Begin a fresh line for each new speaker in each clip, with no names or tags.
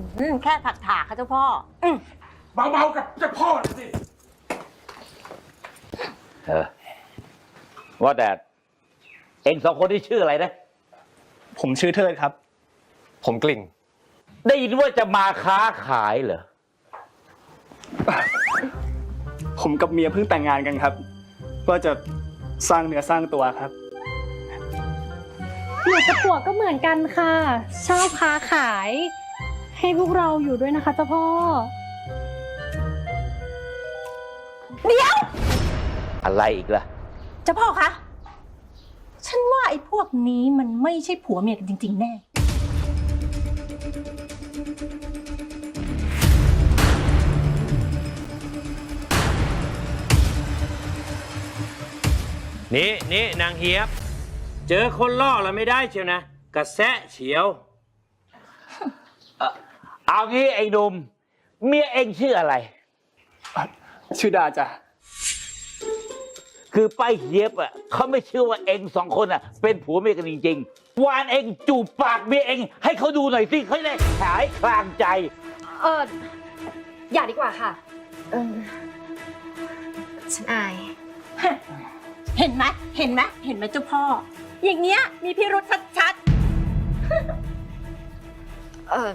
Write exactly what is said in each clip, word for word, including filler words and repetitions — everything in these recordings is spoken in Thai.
อืมแค่ถักถากค่ะเจ้าพ่ออืม
เบาๆกับเจ้าพ่อหน่อยสิ
เออว่าแต่เองสองคนที่ชื่ออะไรนะ
ผมชื่อเทิดครับ
ผมกลิ่ง
ได้ยินว่าจะมาค้าขายเหรอ
ผมกับเมียเพิ่งแต่งงานกันครับก็จะสร้างเนื้อสร้างตัวครับ
หนูกับผัวก็เหมือนกันค่ะชอบค้าขาย ให้พวกเราอยู่ด้วยนะคะเจ้าพ่อ
เดี๋ยว
อะไรอีกล่ะ
เจ้าพ่อคะฉันว่าไอ้พวกนี้มันไม่ใช่ผัวเมียกันจริงๆแน่
นี่นี่นางเฮียบ เจอคนล่อเราไม่ได้เชียวนะกระแสะเฉียว
เอางี้ไอ้หนุ่มเมียเองชื่ออะไร
ชื่อดาจ้ะ
คือป้าเฮียบอ่ะเขาไม่เชื่อว่าเองสองคนอ่ะเป็นผัวเมียกันจริงๆวานเองจูบปากเมียเองให้เขาดูหน่อยสิเขาจะได้หายคลางใจ
เอออย่าดีกว่าค่ะ เออฉันอาย
เห็นไหมเห็นไหมเห็นไหมเจ้าพ่อ อย่างเงี้ยมีพิรุษชัด
เออ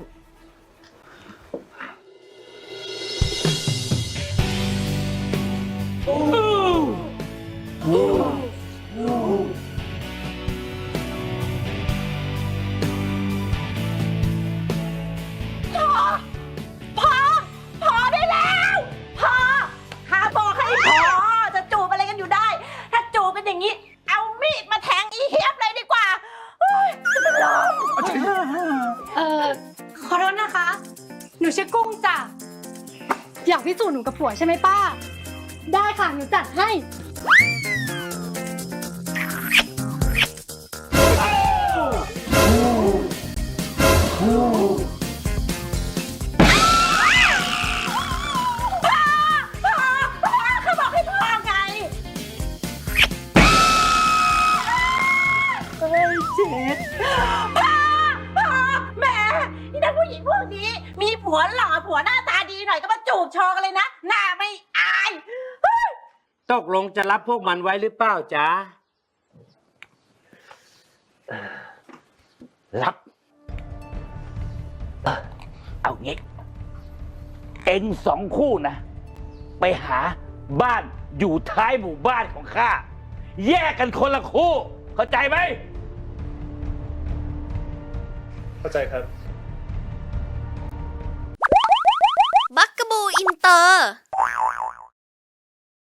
ๆพอพอพอได้แล้วพอข้าบอกให้พอจะจูบอะไรกันอยู่ได้ ถ้าจูบกันอย่างนี้ เอามีดมาแทงอีเฮียบเลยดีกว่าเฮ้ยจะเป็นลม
เออขอโทษนะคะ หนูชื่อกุ้งจ้ะอยากพิสูจน์หนูกับผัวใช่ไหมป้า ได้ค่ะหนูจัดให้
เขาบอกให้พ่อไงเฮ้ยเจ็ดพ่อพ่อแม่นี่นักผู้หญิงพวกนี้ มีผัวหล่อผัวหน้าตาดีหน่อยก็มาจูบโชว์กันเลยนะ หน้าไม่อาย
ตกลงจะรับพวกมันไว้หรือเปล่าจ๊ะ
รับเออเอางี้ เอ็งสองคู่นะ ไปหาบ้านอยู่ท้ายหมู่บ้านของข้า แยกกันคนละคู่ เข้าใจไหม
เข้าใจครับ
บักกะบูอินเตอร์